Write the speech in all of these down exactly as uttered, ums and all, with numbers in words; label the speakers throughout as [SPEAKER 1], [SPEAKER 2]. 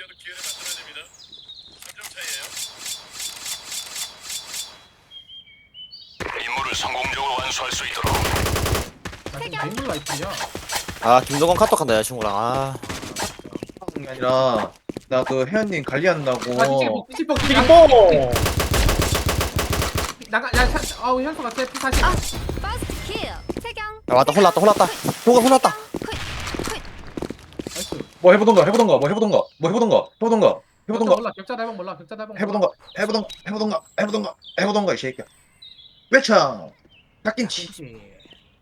[SPEAKER 1] 조금이라도 기회를 만들어야 됩니다. 삼 점 차이에요. 임무를 성공적으로 완수할 수 있도록.
[SPEAKER 2] 나 지금 맹물 라이프야.
[SPEAKER 3] 아 김동건 카톡한다 여자친구랑. 아
[SPEAKER 4] 하는 게 아니라 나 그 혜연님 관리한다고.
[SPEAKER 2] 아 뒤집어 뒤집어
[SPEAKER 5] 삐뽕!
[SPEAKER 2] 나가 야 차- 아우 현수가 제 피사시.
[SPEAKER 6] 아, 퍼스트 킬. 태경.
[SPEAKER 3] 야, 왔다 혼났다 혼났다 동건 혼났다.
[SPEAKER 2] 나이스.
[SPEAKER 4] 뭐 해보던가 해보던가 뭐 해보던가 뭐 해보던가 해보던가
[SPEAKER 2] 격자
[SPEAKER 4] 해보던가
[SPEAKER 2] 몰라 격자 대박 몰라 격자 대박 몰라.
[SPEAKER 4] 해보던가 해보던가 해보던가 해보던가 해보던가 이 새끼야. 외창 닭김치.
[SPEAKER 2] 그렇지.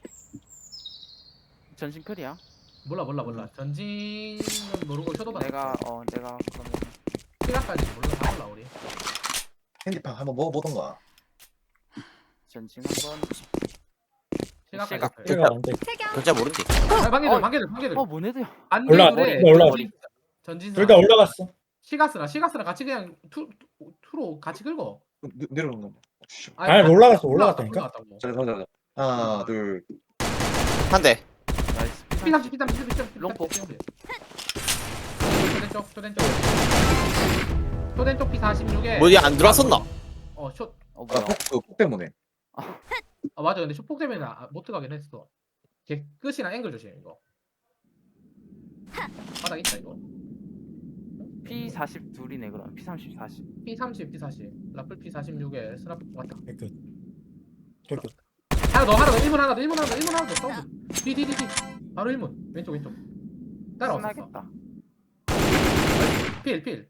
[SPEAKER 7] 전신 클이야.
[SPEAKER 2] 몰라 몰라 몰라 전진은 모르고 쇼도바
[SPEAKER 7] 내가 어 내가 그러면
[SPEAKER 2] 시간까지 몰라 다 몰라 우리.
[SPEAKER 4] 핸디팡 한번 먹어보던가.
[SPEAKER 7] 전신 한번.
[SPEAKER 2] 시간까지
[SPEAKER 3] 시각.
[SPEAKER 2] 돼.
[SPEAKER 5] 내가 안 돼.
[SPEAKER 6] 태경.
[SPEAKER 3] 결제 모른지.
[SPEAKER 2] 아, 방개들
[SPEAKER 7] 어.
[SPEAKER 2] 방개들 방개들
[SPEAKER 7] 어 뭐네도야.
[SPEAKER 2] 안
[SPEAKER 5] 올라갔다,
[SPEAKER 2] 되는데
[SPEAKER 5] 올라갔다.
[SPEAKER 2] 전진
[SPEAKER 5] 둘 다 올라갔어.
[SPEAKER 2] 시가스랑 시가스랑 같이 그냥 투 투- 투로 같이 긁어.
[SPEAKER 4] 내- 내려오는 거.
[SPEAKER 5] 아니, 올라갔어, 올라갔다니까?
[SPEAKER 2] 올라갔다고.
[SPEAKER 4] 자, 자, 자. 하나, 둘.
[SPEAKER 3] 한 대.
[SPEAKER 7] 나이스.
[SPEAKER 2] 피 삼십 피 삼십 피 삼십
[SPEAKER 7] 롱포.
[SPEAKER 2] 토덴쪽 토덴쪽 토덴쪽 피 사십육에
[SPEAKER 3] 뭐야 안 들어왔었나?
[SPEAKER 2] 어쇼
[SPEAKER 7] 어
[SPEAKER 4] 아,
[SPEAKER 7] 뭐야?
[SPEAKER 4] 폭, 그, 폭 때문에.
[SPEAKER 2] 아 맞아 근데 쇼폭 때문에 아, 못 들어가긴 했어. 걔 끝이랑 앵글 조심 이거. 바닥 있다 이거.
[SPEAKER 7] 피 사십 둘이네 그럼. 피 삼십 사십.
[SPEAKER 2] 피 삼십 피 사십 라플 피 사십육에 스나프 왔다.
[SPEAKER 5] 개끝. 개끝.
[SPEAKER 2] 하나 더 하나 더 일 문 하나 더 일 문 하나 더 일 문 하나 더 사운드. 디디디디 바로 일 문 왼쪽 왼쪽 따라왔어.
[SPEAKER 7] 신나겠다.
[SPEAKER 2] 필 필.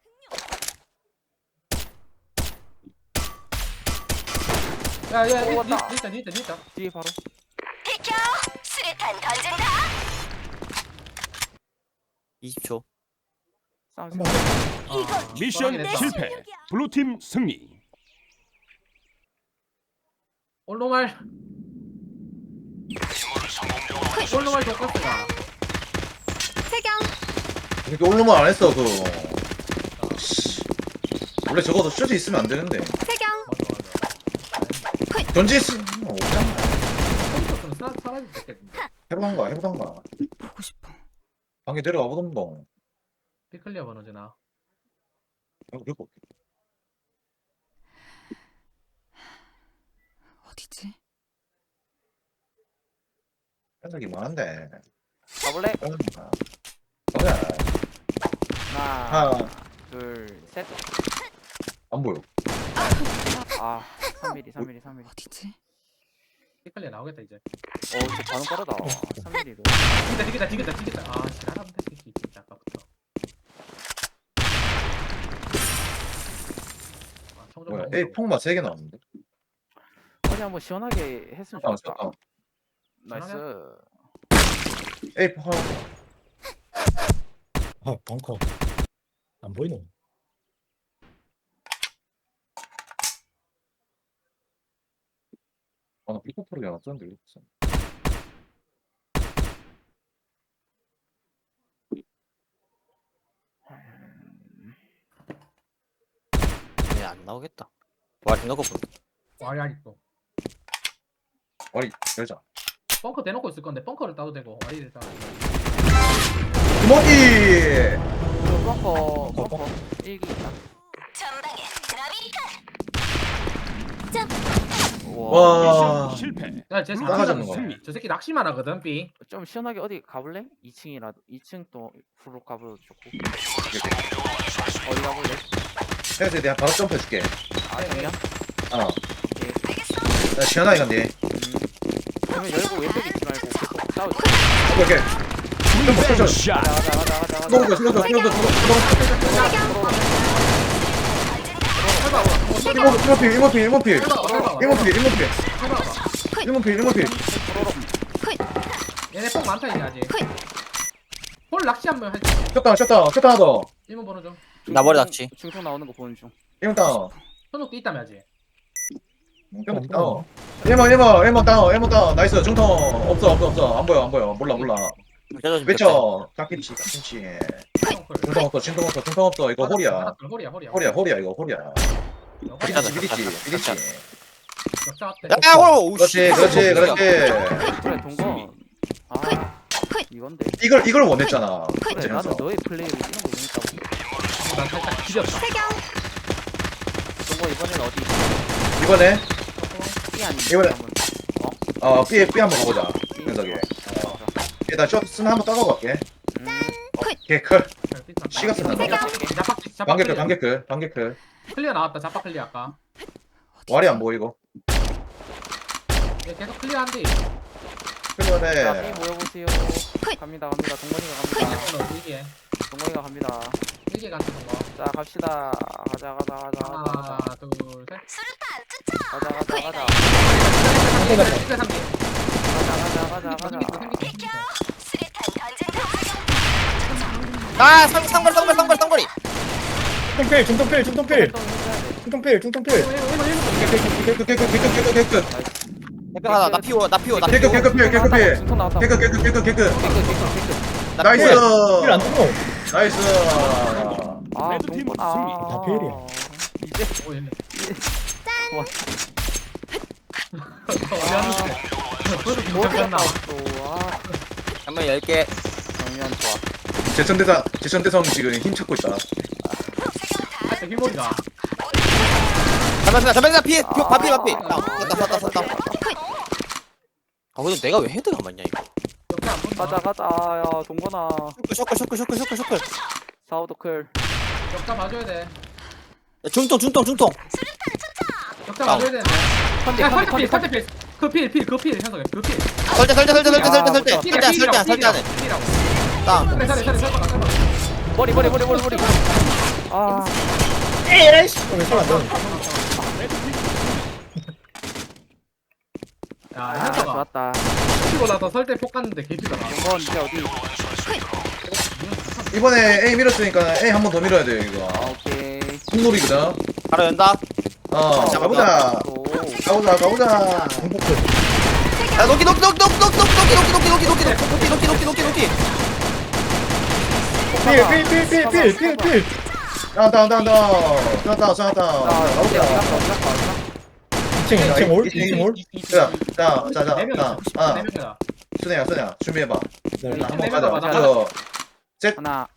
[SPEAKER 2] 야야
[SPEAKER 7] 오, 왔다.
[SPEAKER 2] 니있다 니있다 니있다.
[SPEAKER 7] 뒤에 바로.
[SPEAKER 6] 비켜. 수류탄 던진다.
[SPEAKER 3] 이십 초.
[SPEAKER 7] 싸움.
[SPEAKER 5] 한 번.
[SPEAKER 2] 아,
[SPEAKER 1] 미션
[SPEAKER 2] 돌아가긴 했다.
[SPEAKER 1] 실패. 블루팀 승리.
[SPEAKER 2] 올로말
[SPEAKER 1] 임무를 성공적으로 완수할
[SPEAKER 2] 올로말
[SPEAKER 1] 수 있도록.
[SPEAKER 2] 독가스가.
[SPEAKER 6] 태경.
[SPEAKER 4] 이렇게 올로만 안 했어, 그거. 씨. 원래 적어도 슛이 있으면 안 되는데.
[SPEAKER 6] 태경.
[SPEAKER 2] 맞아 맞아.
[SPEAKER 4] 전지했으면 없잖아.
[SPEAKER 2] 컴퓨터는 사 사라질 수 있겠는데.
[SPEAKER 4] 해보던가, 해보던가.
[SPEAKER 6] 보고 싶어.
[SPEAKER 4] 방에 내려가 보던가.
[SPEAKER 2] 피클리어 번호즈나.
[SPEAKER 4] 그리고
[SPEAKER 6] 어디지?
[SPEAKER 4] 해석이 많은데.
[SPEAKER 7] 가볼래?
[SPEAKER 4] 해보던가. 가자.
[SPEAKER 7] 하나,
[SPEAKER 4] 하나,
[SPEAKER 7] 둘, 셋.
[SPEAKER 4] 안 보여.
[SPEAKER 7] 아, 삼 밀리미터, 삼 밀리미터, 삼 밀리미터.
[SPEAKER 6] 어디지?
[SPEAKER 2] 피클리어 나오겠다 이제.
[SPEAKER 7] 어, 저 반응 빠르다. 삼 밀리미터.
[SPEAKER 2] 디귿다 디귿다 디귿다 디귿다. 아 지랄하면 될 새끼 진짜 아까부터. 아, 청정
[SPEAKER 4] 뭐야,
[SPEAKER 2] 너무
[SPEAKER 4] 에이,
[SPEAKER 2] 무서워.
[SPEAKER 4] 폭만 세 개 나왔는데.
[SPEAKER 7] 어디 한번 시원하게 했으면
[SPEAKER 4] 아,
[SPEAKER 7] 좋겠다.
[SPEAKER 4] 아,
[SPEAKER 7] 나이스.
[SPEAKER 4] 에이, 폭 하나.
[SPEAKER 5] 아, 벙커. 안 보이노?
[SPEAKER 4] 아, 나 삐폭 프로그램 안 썼는데, 왜 썼어?
[SPEAKER 3] 얘안 나오겠다. 와 김동건 보.
[SPEAKER 2] 와리 아직도.
[SPEAKER 4] 와리, 열자.
[SPEAKER 2] 벙커 대놓고 있을 건데 벙커를 따도 되고 와리를 따.
[SPEAKER 4] 주먹이!
[SPEAKER 7] 벙커, 벙커. 일기 있다.
[SPEAKER 6] 전방에 나비탄.
[SPEAKER 7] 우와.
[SPEAKER 4] 와.
[SPEAKER 1] 미션 실패.
[SPEAKER 2] 야쟤
[SPEAKER 4] 나가자는 거야.
[SPEAKER 2] 저 새끼 낚시만 하거든 삐.
[SPEAKER 7] 좀 시원하게 어디 가볼래? 이 층이라도. 이 층 또 후로 가봐도 좋고. 어디 가볼래?
[SPEAKER 4] 해야지, 내가 바로 점프해줄게.
[SPEAKER 7] 아, 정면?
[SPEAKER 4] 어.
[SPEAKER 7] 오케이.
[SPEAKER 4] 나 시원하게 간대.
[SPEAKER 7] 음. 그러면 열고 왼쪽에 있지 말고 계속 싸우자.
[SPEAKER 4] 오케이, 오케이. 점프, 점프.
[SPEAKER 1] 샷.
[SPEAKER 7] 가자, 가자, 가자, 가자, 가자.
[SPEAKER 4] 들어오는 거야, 들어오는 거야, 들어오는 거야, 들어오는
[SPEAKER 2] 해봐.
[SPEAKER 4] 거야. 일모필, 일모필, 일모필.
[SPEAKER 2] 해봐. 해봐.
[SPEAKER 4] 일모필, 일모필.
[SPEAKER 2] 해봐.
[SPEAKER 4] 일모필, 일모필.
[SPEAKER 2] 얘네 뽕 많다 이제 아직. 홀 낚시 한번 할.
[SPEAKER 4] 쳤다, 쳤다, 쳤다 하나 더.
[SPEAKER 2] 일문 번호 좀.
[SPEAKER 3] 나머리 낚시.
[SPEAKER 7] 중통 나오는 거 보는 중.
[SPEAKER 4] 일모 다운.
[SPEAKER 2] 현욱도 있다며 아직.
[SPEAKER 4] 일모 다운. 일모, 일모, 일모 다운, 일모 다운. 나이스, 중통. 없어, 없어, 없어. 안 보여, 안 보여. 몰라, 몰라.
[SPEAKER 3] 결제 좀
[SPEAKER 4] 외쳐. 깍김치, 깍김치.
[SPEAKER 2] 펑클.
[SPEAKER 4] 중통 없어, 중통 없어, 중통 없어. 이거 홀이야.
[SPEAKER 2] 홀이야 홀이야.
[SPEAKER 4] 홀이야, 홀이야, 이거 홀이야.
[SPEAKER 2] 홀이야.
[SPEAKER 4] 비리지, 비리지, 비리지.
[SPEAKER 2] 격자 앞에.
[SPEAKER 3] 야 오.
[SPEAKER 4] 그렇지, 그렇지, 그렇지.
[SPEAKER 7] 그래, 동건. 아, 이건데.
[SPEAKER 4] 이걸, 이걸 원했잖아.
[SPEAKER 7] 그래,
[SPEAKER 4] 이제면서.
[SPEAKER 7] 나도 너의 플레이를 이런 거 원했다고.
[SPEAKER 2] 난 살짝 기렸다.
[SPEAKER 6] 태경.
[SPEAKER 7] 동거 이번엔 어디?
[SPEAKER 4] 이번에
[SPEAKER 7] B 아니
[SPEAKER 4] 이번에- 어 B B 한번 가보자. 녀석이. 일단 쇼 쓰나 한번 떠가고 갈게.
[SPEAKER 7] 음,
[SPEAKER 4] 오케이 컬. 시가 쓴다.
[SPEAKER 6] 태경.
[SPEAKER 2] 자빡 자빡
[SPEAKER 4] 반개클
[SPEAKER 2] 클리어.
[SPEAKER 4] 반개클 반개클.
[SPEAKER 2] 클리어 나왔다. 자빡 클리어 아까.
[SPEAKER 4] 와리 안 보이고.
[SPEAKER 2] 얘 계속 클리어한데.
[SPEAKER 7] 자,
[SPEAKER 4] 그래.
[SPEAKER 7] B 모여보세요. 갑니다, 갑니다. 동건이가 갑니다.
[SPEAKER 2] 이거는 이게
[SPEAKER 7] 동건이가 갑니다.
[SPEAKER 2] 이게 같은 거.
[SPEAKER 7] 자, 갑시다. 가자, 가자, 가자, 가자,
[SPEAKER 2] 하나,
[SPEAKER 7] 가자.
[SPEAKER 2] 둘, 셋.
[SPEAKER 6] 수류탄 투척.
[SPEAKER 7] 가자, 가자, 가자.
[SPEAKER 2] 이게 삼 개.
[SPEAKER 7] 가자, 가자, 가자, 가자.
[SPEAKER 6] 수류탄 던진다.
[SPEAKER 3] 아 상, 상거리 상거리 상거리 상거리
[SPEAKER 5] 중통필 중통필 중통필
[SPEAKER 7] 활동해줘야 돼.
[SPEAKER 5] 중통필 중통필.
[SPEAKER 4] 개급 개급 개급 개급 개급.
[SPEAKER 3] 대표 하나 나 피워 나 피워 나
[SPEAKER 4] 개급
[SPEAKER 3] 피워
[SPEAKER 4] 개급 필 개급 필.
[SPEAKER 7] 중통 나왔다.
[SPEAKER 4] 개급 개급 개급 개급.
[SPEAKER 7] 개급, 개급, 개급.
[SPEAKER 3] 나
[SPEAKER 4] 나이스.
[SPEAKER 3] 피워.
[SPEAKER 5] 필안 뜨고.
[SPEAKER 4] 나이스.
[SPEAKER 7] 아,
[SPEAKER 1] 레드팀
[SPEAKER 7] 동건,
[SPEAKER 1] 승리.
[SPEAKER 7] 아.
[SPEAKER 5] 다 필이야.
[SPEAKER 7] 이제
[SPEAKER 2] 오, 얘네.
[SPEAKER 7] 와.
[SPEAKER 2] 그래도
[SPEAKER 7] 뭐
[SPEAKER 2] 괜찮나?
[SPEAKER 7] 또, 아.
[SPEAKER 3] 한번 열개
[SPEAKER 7] 정면 좋아.
[SPEAKER 4] 제천대사 제천대성 지금 힘 찾고 있다.
[SPEAKER 2] 아, 휘머리가.
[SPEAKER 3] 잠깐만 잠깐만 피
[SPEAKER 7] 아.
[SPEAKER 3] 바피 바피 땄다 땄다 땄다 아 근데 내가 왜 헤드가 맞냐 이거
[SPEAKER 2] 역대 안 본다.
[SPEAKER 7] 가자, 가자. 야, 동건아.
[SPEAKER 3] 셔클 셔클 셔클 셔클 셔클
[SPEAKER 7] 사우도클.
[SPEAKER 2] 역자 봐줘야 돼.
[SPEAKER 3] 야, 중통 중통 중통
[SPEAKER 2] 역자
[SPEAKER 3] 다운.
[SPEAKER 2] 봐줘야 되는데.
[SPEAKER 7] 컨디,
[SPEAKER 2] 야,
[SPEAKER 7] 컨디,
[SPEAKER 2] 설대
[SPEAKER 7] 컨디,
[SPEAKER 2] 필, 설대 필. 그 필, 필, 그 필, 현석이. 그 필.
[SPEAKER 3] 설대 설대 설대 설대 설대 설대
[SPEAKER 2] 필이야,
[SPEAKER 3] 설대
[SPEAKER 2] 필이라고,
[SPEAKER 3] 설대 설대
[SPEAKER 2] 필이라고, 필이라고.
[SPEAKER 3] 땅
[SPEAKER 2] 설대, 설대, 설대, 설대, 설대.
[SPEAKER 7] 머리, 머리, 머리, 머리, 머리. 아,
[SPEAKER 5] 에이씨. 왜 살아 너?
[SPEAKER 2] 야,
[SPEAKER 7] 아,
[SPEAKER 2] 현석아.
[SPEAKER 7] 좋았다.
[SPEAKER 2] 치고 나서 설대 폭 갔는데 개피더라.
[SPEAKER 7] 동건 이제 어디?
[SPEAKER 4] 이번에 A 밀었으니까 A 한 번 더 밀어야 돼 이거.
[SPEAKER 7] 아, 오케이.
[SPEAKER 4] 콩놀이거든.
[SPEAKER 3] 바로 연다
[SPEAKER 4] 어 가보자.
[SPEAKER 7] 오.
[SPEAKER 4] 가보자 가보자.
[SPEAKER 5] 중통필.
[SPEAKER 3] 야 노기 노기 노기 노기 노기 노기 노기 노기 노기 노기 노기 노기 노기 노기 노기
[SPEAKER 5] 필필필필필필필.
[SPEAKER 4] 다운 다운 다운 다운. 쏘았다 쏘았다.
[SPEAKER 7] 자, 어디, 어디
[SPEAKER 4] 가보자.
[SPEAKER 7] 갔어, 어디 갔어, 어디 갔어?
[SPEAKER 5] 이층 이층 올 이층 올.
[SPEAKER 4] 자자자자자.
[SPEAKER 2] 네 명이다.
[SPEAKER 4] 아
[SPEAKER 2] 네 명이다.
[SPEAKER 4] 순애야 순애야 준비해봐.
[SPEAKER 5] 네.
[SPEAKER 7] 네.
[SPEAKER 4] 한번
[SPEAKER 2] 네
[SPEAKER 4] 가자.
[SPEAKER 2] 명 가자.
[SPEAKER 4] 저
[SPEAKER 7] 하나.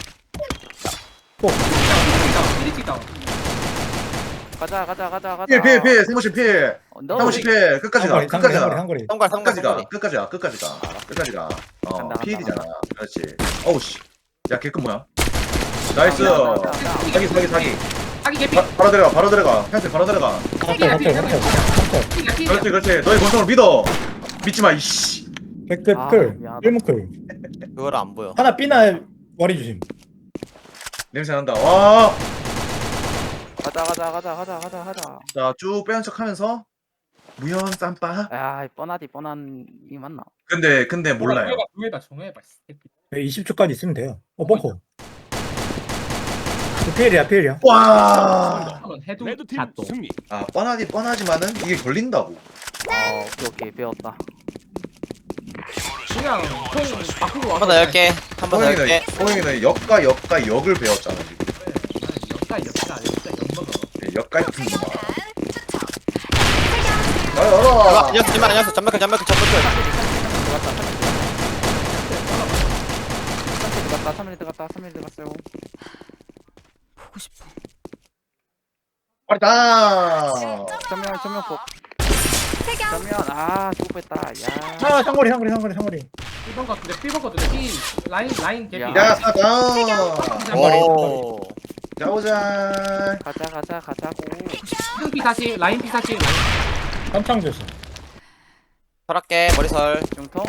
[SPEAKER 2] 피리치 다운.
[SPEAKER 7] 가자, 가자, 가자, 가자.
[SPEAKER 4] 필 필 필 세모씨 필.
[SPEAKER 7] 어, 너
[SPEAKER 4] 세모씨 필 끝까지 가
[SPEAKER 5] 상거리
[SPEAKER 4] 끝까지
[SPEAKER 5] 상거리
[SPEAKER 4] 가.
[SPEAKER 5] 상거리.
[SPEAKER 3] 상관
[SPEAKER 4] 끝까지 가
[SPEAKER 3] 상관
[SPEAKER 4] 끝까지 가 끝까지 가 끝까지 가. 어
[SPEAKER 7] 간다, 간다,
[SPEAKER 4] 필이잖아. 그렇지. 어우 씨. 야 개급 뭐야? 나이스.
[SPEAKER 7] 자, 자, 자, 자.
[SPEAKER 4] 사기 사기 사기.
[SPEAKER 2] 사기 개피.
[SPEAKER 4] 바, 바로 들어가 바로 들어가. 현재 바로 들어가.
[SPEAKER 5] 갑자기 갑자기 갑자기 갑자기.
[SPEAKER 2] 피리야, 피리야.
[SPEAKER 4] 그렇지 그렇지. 너희 권총을 믿어. 믿지 마 이씨.
[SPEAKER 5] 백끝
[SPEAKER 7] 아,
[SPEAKER 5] 클.
[SPEAKER 7] 미안하다.
[SPEAKER 5] 일문클.
[SPEAKER 3] 그걸 안 보여
[SPEAKER 5] 하나 삐나 와리 주심.
[SPEAKER 4] 냄새 난다. 와.
[SPEAKER 7] 가자, 가자, 가자, 가자, 가자, 가자.
[SPEAKER 4] 자 쭉 빼는 척하면서 무연 쌈바.
[SPEAKER 7] 야, 이 뻔하디 뻔한 이 맞나?
[SPEAKER 4] 근데 근데 몰라요.
[SPEAKER 2] 정해봐, 정해봐.
[SPEAKER 5] 이십 초까지 있으면 돼요. 어 벙커. 필이야 필이야.
[SPEAKER 4] 와.
[SPEAKER 2] 한번 해도
[SPEAKER 1] 레드팀
[SPEAKER 2] 샷도.
[SPEAKER 1] 승리.
[SPEAKER 4] 아 뻔하지 뻔하지만은 이게 걸린다고.
[SPEAKER 7] 어, 오케이, 오케이, 배웠다.
[SPEAKER 2] 그냥 총 바꾸고
[SPEAKER 3] 한 번 더 열개 한 번 더
[SPEAKER 4] 호영이는
[SPEAKER 3] 열개
[SPEAKER 4] 호영이는 역과 역과 역을 배웠잖아 지금.
[SPEAKER 2] 역가 역가 역가 역먹어.
[SPEAKER 4] 역 같은 거.
[SPEAKER 6] 태경.
[SPEAKER 4] 야 열어.
[SPEAKER 3] 안녕하세요 잠만 안녕하세요 잠만클 잠만클 잠만클
[SPEAKER 7] 삼 밀 들어갔다, 삼 밀 들어갔다, 삼 밀 들어갔어요.
[SPEAKER 6] 보고 싶어.
[SPEAKER 4] 빠르다.
[SPEAKER 7] 전면, 전면 폭.
[SPEAKER 6] 태경.
[SPEAKER 7] 전면, 아, 죽을 뻔했다. 야.
[SPEAKER 5] 아 상거리 상거리 상거리 상거리.
[SPEAKER 2] 삐번 같은데 삐번 같은데 삐 라인 라인 개피.
[SPEAKER 7] 야.
[SPEAKER 4] 야 사다.
[SPEAKER 3] 오
[SPEAKER 4] 자오자.
[SPEAKER 7] 가자, 가자, 가자고.
[SPEAKER 2] 형 피 사십 라인 피 사십.
[SPEAKER 5] 깜창 조심.
[SPEAKER 3] 설할게 머리설
[SPEAKER 7] 중통.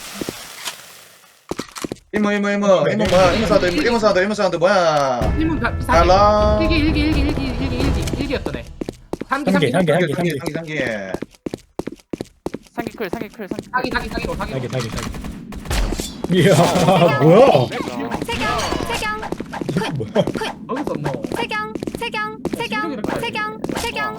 [SPEAKER 4] 이모 이모 이모 이모 뭐야 이모 사도 이모 이모 사도 이모 사도 뭐야.
[SPEAKER 2] 일문 피 사십.
[SPEAKER 4] 달라.
[SPEAKER 2] 일기 일기 일기 일기 일기 일기 일기였던 애. 삼기
[SPEAKER 5] 삼기,
[SPEAKER 2] 삼기
[SPEAKER 5] 삼기.
[SPEAKER 4] 상기 상기 상기 상기.
[SPEAKER 7] 상기클, 상기클, 상기클.
[SPEAKER 2] 사기 사기 사기로 사기로.
[SPEAKER 5] 사기 사기 사기. 이야 뭐야?
[SPEAKER 6] 태경. 태경.
[SPEAKER 5] 뭐야?
[SPEAKER 2] 거기서 뭐.
[SPEAKER 6] 태경. 태경. 태경. 태경. 태경.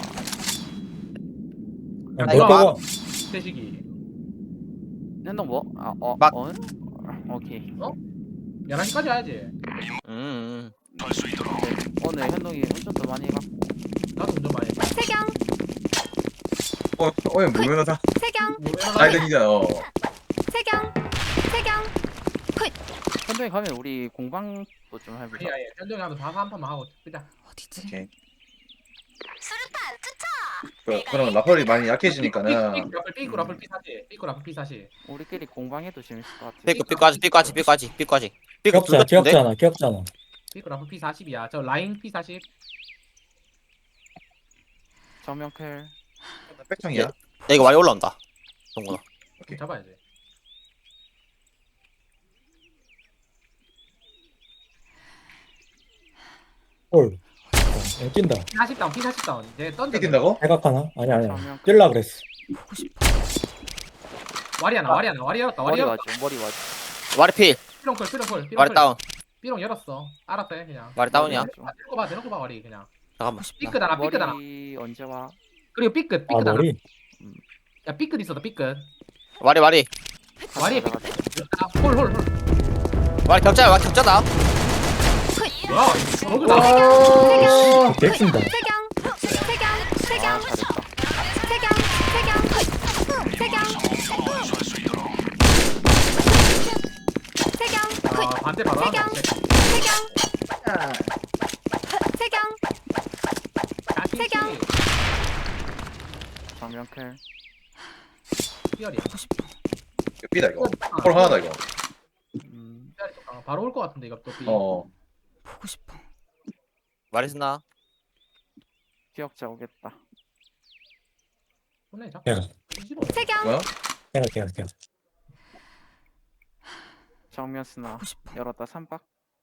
[SPEAKER 5] 야,
[SPEAKER 3] 이거
[SPEAKER 5] 너 빼고
[SPEAKER 2] 대식이.
[SPEAKER 7] 현동 뭐? 아, 어,
[SPEAKER 3] 막.
[SPEAKER 7] 어? 오케이.
[SPEAKER 2] 열한 시까지 와야지.
[SPEAKER 3] 음
[SPEAKER 1] 할수 있도록.
[SPEAKER 7] 오늘 현동이 운전도 많이 해갖고.
[SPEAKER 2] 나도 운전 많이 해.
[SPEAKER 6] 태경.
[SPEAKER 4] 어 어이 무면허다.
[SPEAKER 6] 태경.
[SPEAKER 2] 뭐,
[SPEAKER 4] 라이든이잖아. 어.
[SPEAKER 6] 태경. 태경.
[SPEAKER 7] 현동이 가면 우리 공방도 좀 해보자.
[SPEAKER 2] 아니야 아니야 현동이 하면 다한 판만 하고 끄자.
[SPEAKER 6] 어디지?
[SPEAKER 4] 오케이.
[SPEAKER 6] 수류탄 투척.
[SPEAKER 4] 그, 그럼 라플이 많이 약해지니까는
[SPEAKER 2] 삐꾸 삐꾸 라플 피 사십 삐꾸 라플 피 사십.
[SPEAKER 7] 우리끼리 공방해도 재밌을 것 같아.
[SPEAKER 3] 삐꾸 삐까지 삐까지 삐까지 삐까지 삐꾸 둘
[SPEAKER 5] 기억자
[SPEAKER 3] 같은데?
[SPEAKER 5] 기억자나 기억자나.
[SPEAKER 2] 삐꾸 라플 피 사십이야. 저 라인 피 사십.
[SPEAKER 7] 정면클.
[SPEAKER 4] 백창이야.
[SPEAKER 3] 야 이거 많이 올라온다 동건아.
[SPEAKER 4] 오케이.
[SPEAKER 2] 잡아야지.
[SPEAKER 5] 홀. 어, 뛴다.
[SPEAKER 2] 피 사십 다운 피 사십 다운. 이제 던져.
[SPEAKER 4] 뛴다고?
[SPEAKER 5] 대각하나? 아니 아니.
[SPEAKER 7] 정면.
[SPEAKER 5] 뛸라 그랬어.
[SPEAKER 6] 보고 싶어.
[SPEAKER 2] 와리 하나 와리 하나 와리 열었다 와리
[SPEAKER 7] 머리
[SPEAKER 2] 열었다.
[SPEAKER 7] 와줘. 머리 와줘.
[SPEAKER 3] 와리 필
[SPEAKER 2] 삐롱 콜 삐롱 콜 삐롱
[SPEAKER 3] 와리
[SPEAKER 2] 콜.
[SPEAKER 3] 다운
[SPEAKER 2] 삐롱 열었어. 알았다 해 그냥.
[SPEAKER 3] 와리 다운이야.
[SPEAKER 2] 아, 데리고 봐 데리고 봐 와리 그냥.
[SPEAKER 3] 잠깐만
[SPEAKER 2] 삐끗 하나 삐끗 하나.
[SPEAKER 7] 머리 언제 와?
[SPEAKER 2] 그리고 삐끗
[SPEAKER 5] 아
[SPEAKER 2] 삐끗 하나.
[SPEAKER 5] 머리.
[SPEAKER 2] 야 삐끗 있어도 삐끗.
[SPEAKER 3] 와리 와리
[SPEAKER 2] 와리에
[SPEAKER 7] 가자,
[SPEAKER 2] 삐끗.
[SPEAKER 7] 가자.
[SPEAKER 2] 홀홀 홀.
[SPEAKER 3] 와리 격자야 와리 격자다.
[SPEAKER 2] 야 저거 나.
[SPEAKER 5] 아, 개낀다.
[SPEAKER 6] 세경. 세경. 세경.
[SPEAKER 7] 아, 잘했다.
[SPEAKER 6] 세경. 세경. 세경. 세경.
[SPEAKER 2] 아 반대 바로 하나.
[SPEAKER 6] 세경. 세경. 세경.
[SPEAKER 7] 정면클.
[SPEAKER 2] 삐열이야.
[SPEAKER 4] 삐다 이거. 홀 하나다 이거.
[SPEAKER 7] 음.
[SPEAKER 2] 삐열이 좀 강하- 바로 올 것 같은데 이거 또 삐.
[SPEAKER 4] 어.
[SPEAKER 6] 보고 싶어.
[SPEAKER 3] 와리 스나
[SPEAKER 7] 기억자 오겠다.
[SPEAKER 2] 손에 잡.
[SPEAKER 5] 내가
[SPEAKER 2] 뒤집어.
[SPEAKER 6] 세경.
[SPEAKER 4] 뭐야?
[SPEAKER 5] 내가 내가 내가.
[SPEAKER 7] 정면 스나.
[SPEAKER 6] 보고 싶어.
[SPEAKER 7] 열었다 삼박.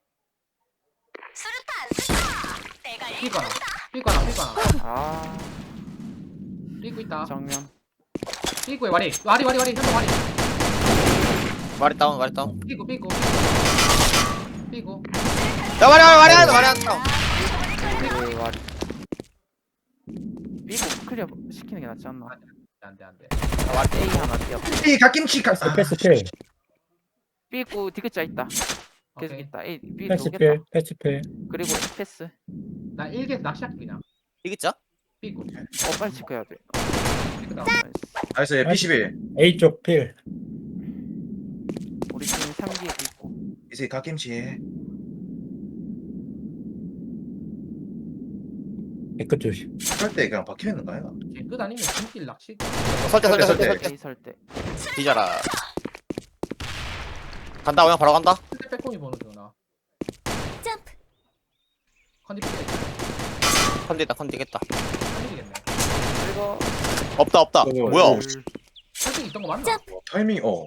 [SPEAKER 6] 수류탄 투척. 내가
[SPEAKER 2] 삐고 하나. 삐고 하나 삐고 하나.
[SPEAKER 7] 아.
[SPEAKER 2] 삐고 있다.
[SPEAKER 7] 정면.
[SPEAKER 2] 삐고에 와리. 와리 와리 와리 현동 와리.
[SPEAKER 3] 와리 다운 와리 다운.
[SPEAKER 2] 삐고 삐고. 삐고.
[SPEAKER 3] 야 와리 와리 와리 와리 와리 다운.
[SPEAKER 7] 삐고 와리. 삐고 클리어 시키는 게 낫지 않나?
[SPEAKER 2] 안돼 안돼.
[SPEAKER 7] A 하나 뛰어.
[SPEAKER 4] 이 갓김치 갓. 아,
[SPEAKER 5] 패스 필.
[SPEAKER 7] 삐고 디귿자 있다. 계속
[SPEAKER 2] 오케이.
[SPEAKER 7] 있다. A B
[SPEAKER 5] 패스
[SPEAKER 7] 오겠다.
[SPEAKER 5] 필. 패스 필.
[SPEAKER 7] 그리고 패스.
[SPEAKER 2] 나 일개에서 낚시할게 그냥.
[SPEAKER 3] 이겼자?
[SPEAKER 2] 삐고.
[SPEAKER 7] 어 빨리 체크해야 돼.
[SPEAKER 2] 삐고 다운.
[SPEAKER 7] 나이스.
[SPEAKER 4] 나이스 피십일.
[SPEAKER 5] A 쪽 필.
[SPEAKER 7] 우리 팀 삼 기에 있고.
[SPEAKER 4] 이제 갓김치.
[SPEAKER 5] 깨끗 조심.
[SPEAKER 4] 설때 그냥 박혀 있는 거야.
[SPEAKER 2] 개끝 아니면 중길 낚시.
[SPEAKER 3] 설대 설대 설대
[SPEAKER 4] 설대.
[SPEAKER 3] 설대
[SPEAKER 7] A 설대.
[SPEAKER 3] 뒤져라. 간다 그냥 바로 간다.
[SPEAKER 2] 근데 빼꼼이 보는 거나.
[SPEAKER 6] 점프.
[SPEAKER 2] 컨디 삐.
[SPEAKER 3] 컨디다 컨디겠다.
[SPEAKER 2] 컨디겠네.
[SPEAKER 7] 그리고
[SPEAKER 3] 없다 없다.
[SPEAKER 4] 어,
[SPEAKER 3] 뭐야?
[SPEAKER 2] 설득 있던 거 맞나?
[SPEAKER 6] 점프.
[SPEAKER 4] 와, 타이밍 어.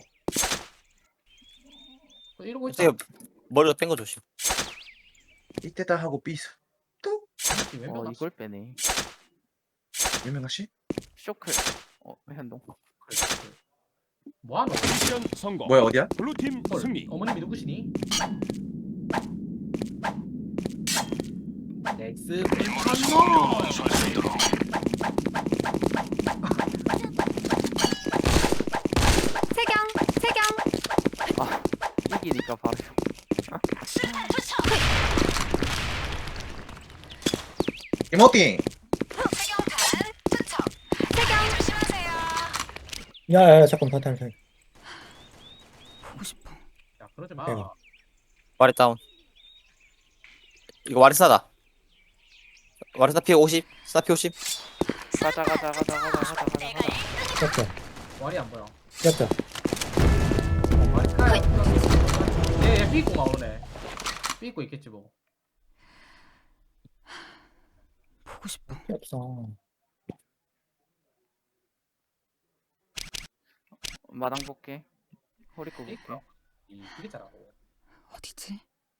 [SPEAKER 2] 이러고 있어.
[SPEAKER 3] 이제 머리로 뺀 거 조심.
[SPEAKER 4] 이때다 하고 삐스.
[SPEAKER 7] 어 이걸 빼네.
[SPEAKER 4] 유명하 씨?
[SPEAKER 7] 쇼클. 어 현동.
[SPEAKER 2] 뭐하노?
[SPEAKER 1] 미션 성공.
[SPEAKER 4] 뭐야 어디야?
[SPEAKER 1] 블루팀
[SPEAKER 2] 헐,
[SPEAKER 1] 승리.
[SPEAKER 2] 어머님이 누구시니? 넥스 펜타노.
[SPEAKER 1] 완수할 수 있도록.
[SPEAKER 6] 세경. 세경.
[SPEAKER 7] 아 이기니까 바로.
[SPEAKER 6] 수류탄 투척.
[SPEAKER 4] 이모띵.
[SPEAKER 6] 세경탄 투척. 세경. 조심하세요.
[SPEAKER 5] 야야 잠깐 파탄 살.
[SPEAKER 6] 보고 싶어.
[SPEAKER 2] 야 그러지 마.
[SPEAKER 5] 내가.
[SPEAKER 3] 와리 다운. 이거 와리 스나다. 와리 스나 피 오십. 스나 피 오십.
[SPEAKER 7] 가자 가자 가자 가자 가자 가자
[SPEAKER 6] 내가
[SPEAKER 7] 가자.
[SPEAKER 6] 이끄는
[SPEAKER 5] 기억자.
[SPEAKER 2] 말이 안 보여.
[SPEAKER 5] 기억자.
[SPEAKER 2] 말이 까요. 얘얘 삐고가 오네. 삐고 있겠지 뭐.
[SPEAKER 6] 보고 싶어.
[SPEAKER 5] 없어.
[SPEAKER 7] 마당 볼게. 허리꼬 볼게.
[SPEAKER 2] 이 비계자라고.
[SPEAKER 6] 어디지?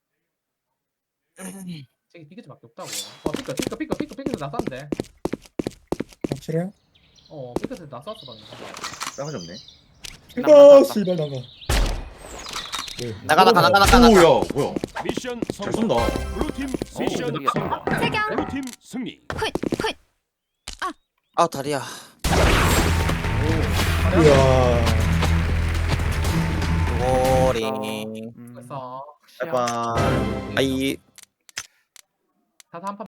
[SPEAKER 2] 저기 비계자밖에 없다고. 와 삐끗 삐끗 삐끗 삐끗 삐끗 나 쐈는데.
[SPEAKER 5] 확실해요?
[SPEAKER 2] 어 삐끗에 나 쐈어 방금.
[SPEAKER 4] 싸가지 없네.
[SPEAKER 5] 이거 씨발 나가. 네.
[SPEAKER 3] 나가 나가 나가 나가 나가.
[SPEAKER 4] 오야 뭐야?
[SPEAKER 1] 미션
[SPEAKER 4] 잘
[SPEAKER 1] 성공.
[SPEAKER 4] 쏜다.
[SPEAKER 1] 블루팀 미션
[SPEAKER 7] 우리가
[SPEAKER 1] 성공.
[SPEAKER 6] 세경.
[SPEAKER 1] 블루팀 승리.
[SPEAKER 6] 훗. 훗.
[SPEAKER 3] 아 다리야.
[SPEAKER 5] 이야.
[SPEAKER 3] 오링.
[SPEAKER 7] 음,
[SPEAKER 2] 그래서
[SPEAKER 7] 시야.
[SPEAKER 4] 빠이빠이.
[SPEAKER 3] 아이.
[SPEAKER 2] 다섯 한판